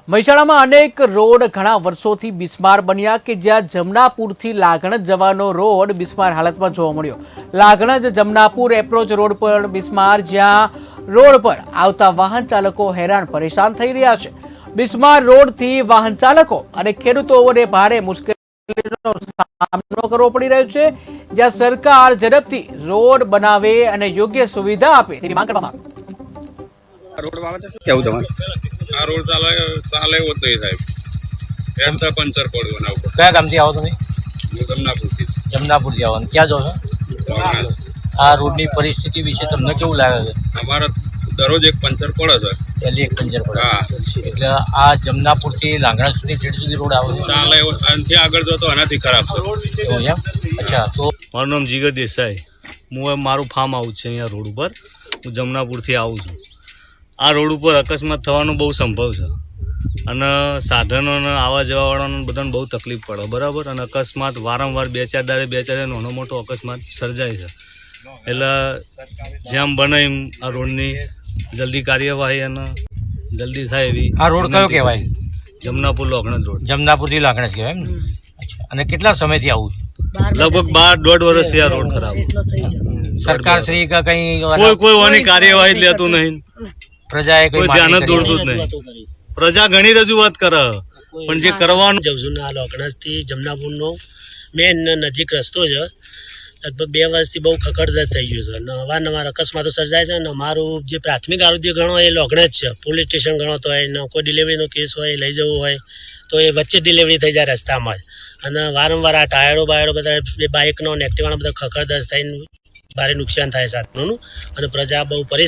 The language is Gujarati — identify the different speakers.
Speaker 1: મહેસાણામાં અનેક રોડ ઘણા વર્ષોથી બિસ્માર બન્યા કે જ્યાં જમનાપુરથી લાગણજ જવાનો રોડ બિસ્માર હાલતમાં જોવા મળ્યો। લાગણજ જમનાપુર એપ્રોચ રોડ પર બિસ્માર, જ્યાં રોડ પર આવતા વાહન ચાલકો હેરાન પરેશાન થઈ રહ્યા છે। બિસ્માર રોડથી વાહન ચાલકો અને ખેડૂતોને ભારે મુશ્કેલીનો સામનો કરવો પડી રહ્યો છે, જ્યાં સરકાર ઝડપથી રોડ બનાવે અને યોગ્ય સુવિધા આપે તેવી માંગ કરવામાં આવી।
Speaker 2: રોડ બાબતે શું કહેવું તમારે?
Speaker 3: આ રોડ ચાલે એવો જ નહીં સાહેબ। એમ તો પંચર પડ્યું ના ઉપર।
Speaker 2: કયા ગામથી આવો તમે?
Speaker 3: હું જમનાપુરથી જ
Speaker 2: જમનાપુરથી આવો ને ક્યાં જાઓ છો?
Speaker 3: વાગણા.
Speaker 2: આ રોડની પરિસ્થિતિ વિશે તમને કેવું લાગે છે?
Speaker 3: અમારે દરરોજ એક પંચર પડે છે।
Speaker 2: પહેલી એક પંચર પડે
Speaker 3: હા,
Speaker 2: એટલે આ જમનાપુરથી લાંગણા સુધી જેટ સુધી રોડ આવે છે
Speaker 3: ચાલે એવો આનાથી આગળ જો તો આનાથી ખરાબ છે।
Speaker 2: એવું છે એમ? અચ્છા, તો
Speaker 4: મારું નામ જીગર દેસાઈ। હું મારું ફાર્મ હાઉસ છે અહીંયા રોડ ઉપર। હું જમનાપુરથી આવું છું। આ રોડ ઉપર અકસ્માત થવાનો બહુ સંભવ છે અને સાધનોને આવવા જવાવાળાને બધાને બહુ તકલીફ પડે, બરાબર। અને અકસ્માત વારંવાર બે ચાર દાડે નાનો મોટો અકસ્માત સર્જાય છે। એટલે જેમ બને એમ આ રોડની જલ્દી કાર્યવાહી અને જલ્દી થાય એવી।
Speaker 2: આ રોડ કયો કહેવાય?
Speaker 4: જમનાપુર લાગણજ રોડ।
Speaker 2: જમનાપુરથી લાંગણા જ કહેવાય એમ ને? અચ્છા, અને કેટલા સમયથી આવું?
Speaker 4: લગભગ 12-1.5 વર્ષથી આ રોડ ખરાબ।
Speaker 2: સરકાર શ્રી કે કઈ
Speaker 4: કોઈ વાની કાર્યવાહી જ લેતું નહીં,
Speaker 2: પ્રજાએ
Speaker 4: કોઈ ધ્યાન જ દોરતું જ નહીં। પ્રજા ઘણી રજૂઆત કરે પણ જે કરવાનું
Speaker 5: જઉં છું ને આ લાગણજથી જમનાપુરનો મેન નજીક રસ્તો છે। લગભગ 2 વર્ષથી બહુ ખખડધજ થઈ ગયું છે અને અવારનવાર અકસ્માતો સર્જાય છે અને અમારું જે પ્રાથમિક આરોગ્ય ગણો એ લાગણજ છે। પોલીસ સ્ટેશન ગણો તો હોય, કોઈ ડિલિવરીનો કેસ હોય, લઈ જવું હોય તો એ વચ્ચે ડિલિવરી થઈ જાય રસ્તામાં જ। અને વારંવાર આ ટાયરો બધા બાઇકનો ને એક્ટિવાનો બધા ખખડધજ થઈને ભારે નુકસાન થાય સાધનોનું અને પ્રજા બહુ પરેશાન